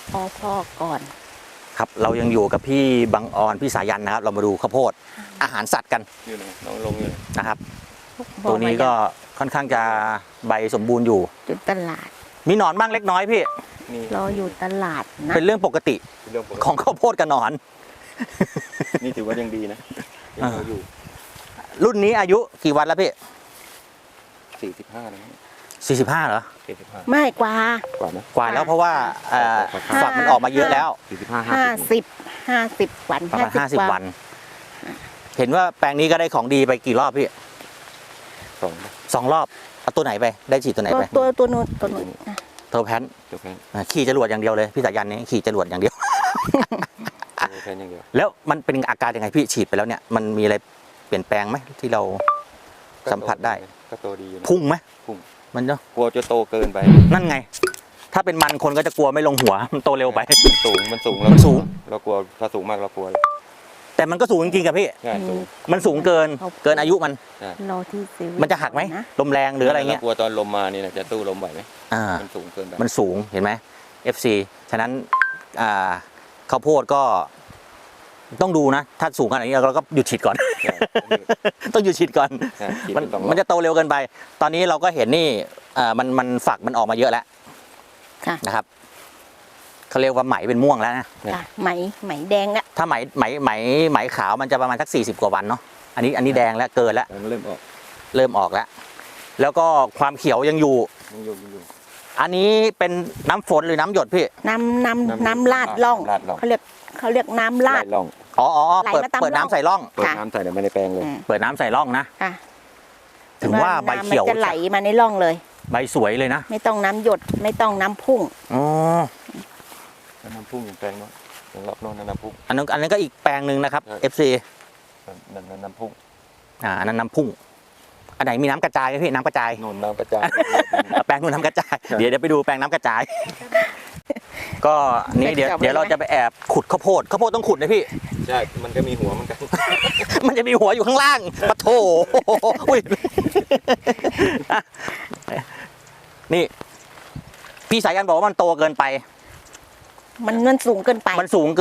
พ่อก่อนครับเรายังอยู่กับพี่บังออนพี่สายันนะครับเรามาดูข้าวโพดอาหารสัตว์กันอยู่นะน้องลงอยู่นะครับตัวนี้ก็ค่อนข้างจะใบสมบูรณ์อยู่จุดตลาดมีหนอนบ้างเล็กน้อยพี่รออยู่ตลาดนะเป็นเรื่องปกติของข้าวโพดกับหนอนนี่ถือว่ายังดีนะยังอยู่รุ่นนี้อายุกี่วันแล้วพี่ 45แล้ว 45เหรอ 45ไม่กว่านะกว่าแล้วเพราะว่าฝักมันออกมาเยอะแล้ว 50วันประมาณ50 วันเห็นว่าแปลงนี้ก็ได้ของดีไปกี่รอบพี่2 รอบเอาตัวไหนไปได้ฉีดตัวไหนไปตัวนู้นตัวแพนขี่จรวดอย่างเดียวเลยพี่สายันนี้ขี่จรวดอย่างเดียวแล้วมันเป็นอาการยังไงพี่ฉีดไปแล้วเนี่ยมันมีอะไรเปลี่ยนแปลงไหมที่เราสัมผัสได้ก็โตดีอยู่พุ่งไหมพุ่งมันเนาะกลัวจะโตเกินไปนั่นไงถ้าเป็นมันคนก็จะกลัวไม่ลงหัวมันโตเร็วไปมันสูงเรากลัวถ้าสูงมากเรากลัวแต่มันก็สูงจริงๆกับพี่มันสูงเกินอายุมันจะหักไหมลมแรงหรืออะไรเงี้ยกลัวตอนลมมานี่นะจะตู้ลมไหวไหมมันสูงเกินไปมันสูงเห็นไหม FC ฉะนั้นข้าวโพดก็ต้องดูนะถ้าสูงขนาดนี้เราก็หยุดฉีดก่อนต้องหยุดฉีดก่อนมันจะโตเร็วเกินไปตอนนี้เราก็เห็นนี่มันฝักมันออกมาเยอะแล้วนะครับเขาเรียกว่าไหมเป็นม่วงแล้วนะไหมแดงแล้วถ้าไหมขาวมันจะประมาณสัก40 กว่าวันเนาะอันนี้แดงแล้วเกินแล้วเริ่มออกแล้วก็ความเขียวยังอยู่อันนี้เป็นน้ำฝนหรือน้ำหยดพี่น้ำลาดล่องเขาเรียกน้ำลาดอ๋อเปิดน้ำใส่ร่องเปิดน้ำใส่ไม่ได้แปลงเลยเปิดน้ำใส่ร่องนะถึงว่าใบเขียวจะไหลมาในร่องเลยใบสวยเลยนะไม่ต้องน้ำหยดไม่ต้องน้ำพุ่งอ๋อน้ำพุ่งอย่างแปลงเนาะอย่างรอบโน้นน้ำพุ่งอันนั้นก็อีกแปลงหนึ่งนะครับ FC น้ำพุ่งอันนั้นน้ำพุ่งอันไหนมีน้ำกระจายไหมพี่น้ำกระจายนู่นน้ำกระจายแปลงนู่นน้ำกระจายเดี๋ยวไปดูแปลงน้ำกระจายก็นี่เดี๋ยวเราจะไปแอบขุดข้าวโพดต้องขุดนะพี่ใช่มันก็มีหัวเหมือนกันมันจะมีหัวอยู่ข้างล่างปะโถนี่พี่สายันบอกว่ามันโตเกินไปมันสูงเกินไป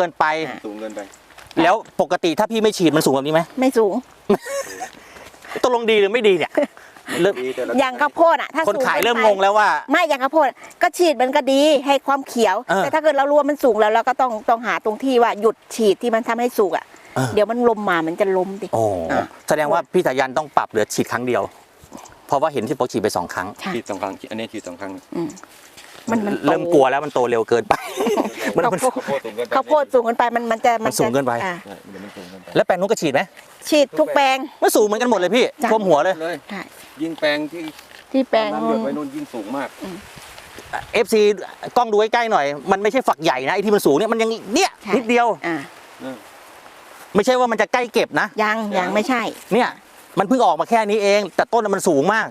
แล้วปกติถ้าพี่ไม่ฉีดมันสูงแบบนี้ไหมไม่สูงตกลงดีหรือไม่ดีเนี่ยอย่างข้าวโพดอ่ะถ้าคนขายเริ่มงงแล้วว่าไม่อย่างข้าวโพดก็ฉีดมันก็ดีให้ความเขียวแต่ถ้าเกิดเรารู้ว่ามันสูงแล้วเราก็ต้องหาตรงที่ว่าหยุดฉีดที่มันทำให้สุกอ่ะเดี๋ยวมันลมมามันจะล้มดิแสดงว่าพี่สายันต้องปรับเหลือฉีดครั้งเดียวเพราะว่าเห็นที่โปรฉีดไป2 ครั้งฉีด2 ครั้งอันนี้ฉีด2 ครั้งมันเริ่มกลัวแล้วมันโตเร็วเกินไปข้าวโพดสูงเกินไปมันสูงเกินไปแล้วแปลงนู้นก็ฉีดไหมฉีดทุกแปลงมันสูงเหมือนกันหมดเลยพี่ท่วมหัวเลยยิ่งแปลงที่แปลงน้ำหยดไว้นู่นยิ่งสูงมาก FC กล้องดูใกล้ๆหน่อยมันไม่ใช่ฝักใหญ่นะไอ้ที่มันสูงเนี่ยมันยังเนี่ยนิดเดียวไม่ใช่ว่ามันจะใกล้เก็บนะยังไม่ใช่เนี่ยมันเพิ่งออกมาแค่นี้เองแต่ต้นมันสูงมาก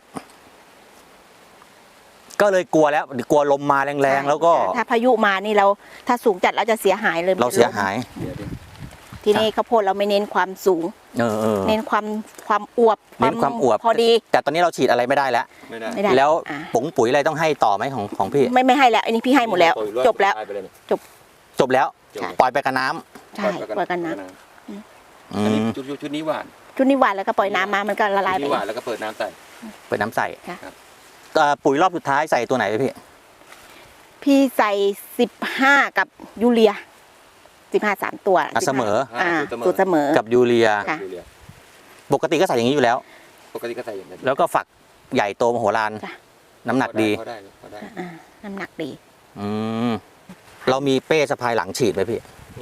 ก็เลยกลัวแล้วกลัวลมมาแรงๆแล้วก็ถ้าพายุมานี่เราถ้าสูงจัดเราจะเสียหายเลยเราเสียหายทีนี้ข้าวโพดเราไม่เน้นความสูงเน้นความอวบพอดีแต่ตอนนี้เราฉีดอะไรไม่ได้แล้วแล้วปุ๋ยอะไรต้องให้ต่อไหมของพี่ไม่ให้แล้วอันนี้พี่ให้หมดแล้วจบแล้วแล้วปล่อยไปกับน้ำใช่ปล่อยกับน้ำชุดนี้หวานแล้วก็ปล่อยน้ำมามันก็ละลายไปหวานแล้วก็เปิดน้ำใส่ปุ๋ยรอบสุดท้ายใส่ตัวไหนพี่ใส่15กับยูเรีย15 3 ตัวเสมอตัวเสมอกับยูเรียปกติก็ใส่อย่างนี้อยู่แล้วแล้วก็ฝักใหญ่โตมโหฬารน้ำหนักดีน้ำหนักดีเรามีเป้สะพายหลังฉีดไหมพี่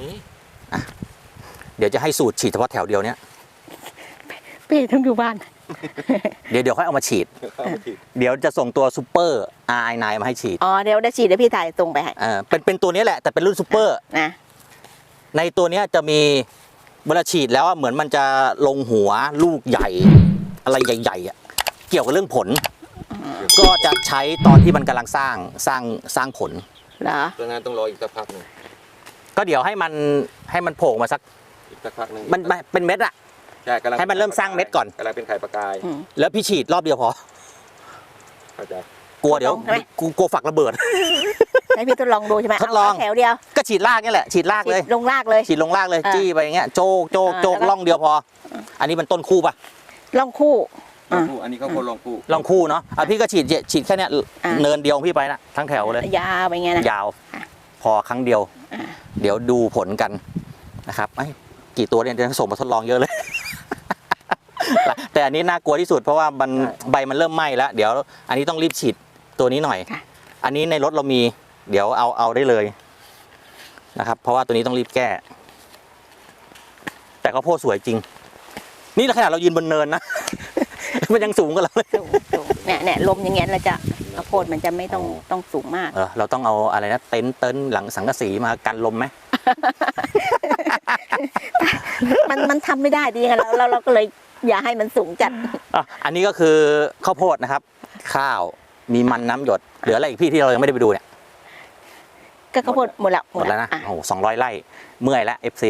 เดี๋ยวจะให้สูตรฉีดเฉพาะแถวเดียวเนี้ยเป้ต้องอยู่บ้านเดี๋ยวค่อยเอามาฉีดเดี๋ยวจะส่งตัวซูเปอร์ RI9 มาให้ฉีดเดี๋ยวได้ฉีดเดี๋ยวพี่ถ่ายส่งไปให้เป็นตัวนี้แหละแต่เป็นรุ่นซูเปอร์นะในตัวนี้จะมีเวลาฉีดแล้วเหมือนมันจะลงหัวลูกใหญ่อะไรใหญ่ๆเกี่ยวกับเรื่องผลก็จะใช้ตอนที่มันกำลังสร้างผลเหรอดังนั้นต้องรออีกสักพักนึงก็เดี๋ยวให้มันโผล่มาสักพักนึงมันเป็นเม็ดอะให้มันเริ่มสร้างเม็ดก่อนกำลังเป็นไข่ปลากายแล้วพี่ฉีดรอบเดียวพอ กลัวเดี๋ยวกูกลัวฝักระเบิดให้พี่ทดลองดูใช่ไหมทดลองเาแถวเดียวก็ฉีดรากนี่แหละฉีดรากเลยฉีดลงรากเลยฉีดลงรากเลย จี้ไปอย่างเงี้ยโจกโจกโจกแล้วก็ล่องเดียวพอ อันนี้มันต้นคู่ป่ะล่องคู่ลองคู่อันนี้เขาคนลองคู่ล่องคู่เนาะพี่ก็ฉีดแค่เนี้ยอ่าเนินเดียวของพี่ไปนะทั้งแถวเลยยาวไปเงี้ยนะยาวอ่ะพอครั้งเดียวอ่ะเดี๋ยวดูผลกันนะครับไอ้กี่ตัวเนี่ยจะส่งมาทดลองเยอะเลย แต่อันนี้น่ากลัวที่สุดเพราะว่ามันใบมันเริ่มไหม้แล้ว เดี๋ยวอันนี้ต้องรีบฉีดตัวนี้หน่อย อันนี้ในรถเรามี เดี๋ยวเอาได้เลยนะครับ เพราะว่าตัวนี้ต้องรีบแก้ แต่ข้าวโพดสวยจริง นี่ขนาดเรายืนบนเนินนะ มันยังสูงกว่าเราเลยสูงเนี่ยลมอย่างเงี้ยเราจะข้าวโพดมันจะไม่ต้องสูงมากเราต้องเอาอะไรนะเต็นท์หลังสังกะสีมากันลมไหมมันทำไม่ได้ดีไงเราก็เลยอย่าให้มันสูงจัดอันนี้ก็คือข้าวโพดนะครับ ข้าวมีมันน้ำหยดเหลืออะไรอีกพี่ที่เรายังไม่ได้ไปดูเนี่ยก็ข้าวโพดหมดแล้วหมดแล้วนะอ่โอ้โห200 ไร่เมื่อยแล้ว FC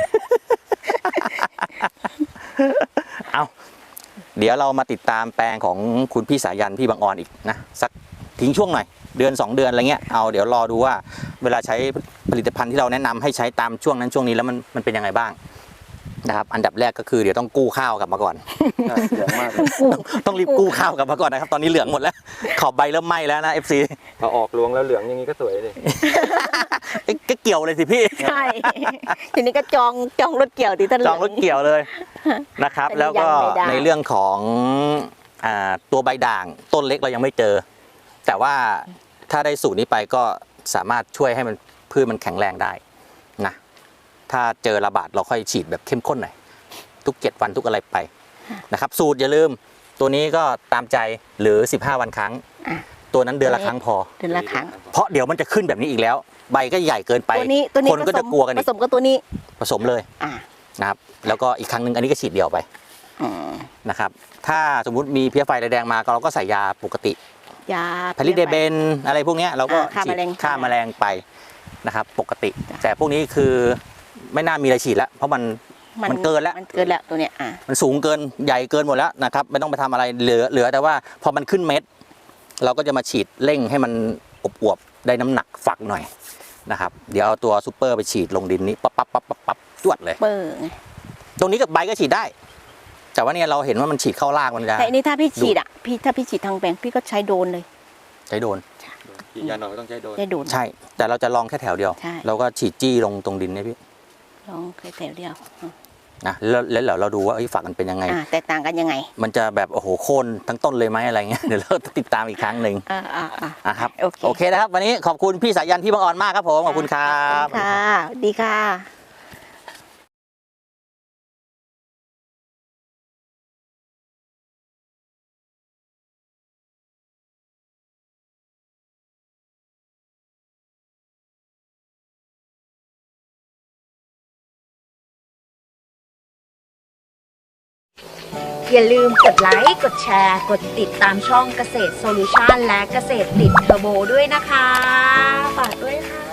เอาเดี๋ยวเรามาติดตามแปลงของคุณพี่สายันพี่บางออนอีกนะสักทิ้งช่วงหน่อยเดือน 2 เดือนอะไรเงี้ยเอาเดี๋ยวรอดูว่าเวลาใช้ผลิตภัณฑ์ที่เราแนะนำให้ใช้ตามช่วงนั้นช่วงนี้แล้วมันเป็นยังไงบ้างนะครับอันดับแรกก็คือเดี๋ยวต้องกู้ข้าวกลับมาก่อนใช่เหลืองมากเลยต้องรีบกู้ข้าวกลับมาก่อนนะครับตอนนี้เหลืองหมดแล้วขอบใบเริ่มไหม้แล้วนะ FC พอออกรวงแล้วเหลืองอย่างนี้ก็สวยเลยก็เกี่ยวเลยสิพี่ใช่ ทีนี้ก็จองรถเกี่ยวดิท่านจองรถเกี่ยวเลยนะครับอันนี้แล้วก็ยังไม่ได้ในเรื่องของตัวใบด่างต้นเล็กเรายังไม่เจอ แต่ว่าถ้าได้สูตรนี้ไปก็สามารถช่วยให้มันพืชมันแข็งแรงได้นะถ้าเจอระบาดเราค่อยฉีดแบบเข้มข้นหน่อยทุก7 วันทุกอะไรไปนะครับสูตรอย่าลืมตัวนี้ก็ตามใจหรือ15 วันครั้งอ่ะตัวนั้นเดือนละครั้งพอเดือนละครั้งเพราะเดี๋ยวมันจะขึ้นแบบนี้อีกแล้ว ใบก็ใหญ่เกินไปตัวนี้คนก็จะกลัวกันผอีกสมกับตัวนี้ผสมเลยอ่านะครับแล้วก็อีกครั้งหนึ่งอันนี้ก็ฉีดเดี่ยวไปอืมนะครับถ้าสมมุติมีเพลี้ยไฟแดงมาเราก็ใส่ยาปกติยาพาริเดเบนอะไรพวกเนี้ยเราก็ฆ่าฉีดแมลงฆ่าแมลงไปนะครับปกติ แต่พวกนี้คือไม่น่ามีอะไรฉีดแล้วเพราะมันเกินแล้วมันเกินแล้วตัวเนี้ยมันสูงเกินใหญ่เกินหมดแล้วนะครับไม่ต้องไปทำอะไรเหลือแต่ว่าพอมันขึ้นเม็ด เราก็จะมาฉีดเร่งให้มันอวบๆได้น้ำหนักฝักหน่อยนะครับเดี๋ยวเอาตัวซูเปอร์ไปฉีดลงดินนี้ปั๊บจวดเลยเปิงตรงนี้กับใบก็ฉีดได้ แต่ว่าเนี่ยเราเห็นว่ามันฉีดเข้ารากมันจะแต่อันนี้ถ้าพี่ฉีดถ้าพี่ฉีดทางแปลงพี่ก็ใช้โดรนเลยใช้โดนฉีดยาหน่อยก็ต้องใช้โดนใช้โดรนใช่ แต่เราจะลองแค่แถวเดียวใช่เราก็ฉีดจี้ลงตรงดินเนี่ยพี่ลองแค่แถวเดียวนะแล้วเราดูว่าฝักมันเป็นยังไงแตกต่างกันยังไงมันจะแบบโอ้โหโค่นทั้งต้นเลยไหมอะไรเงี้ย เดี๋ยวเราติดตามอีกครั้งหนึ่ง ครับโอเคนะครับ วันนี้ขอบคุณพี่สายันพี่บางอ่อนมากครับผมขอบคุณครับค่ะดีค่ะอย่าลืมกดไลค์ กดแชร์ กดติดตามช่องเกษตรโซลูชันและเกษตรติดเทอร์โบด้วยนะคะ ฝากด้วยค่ะ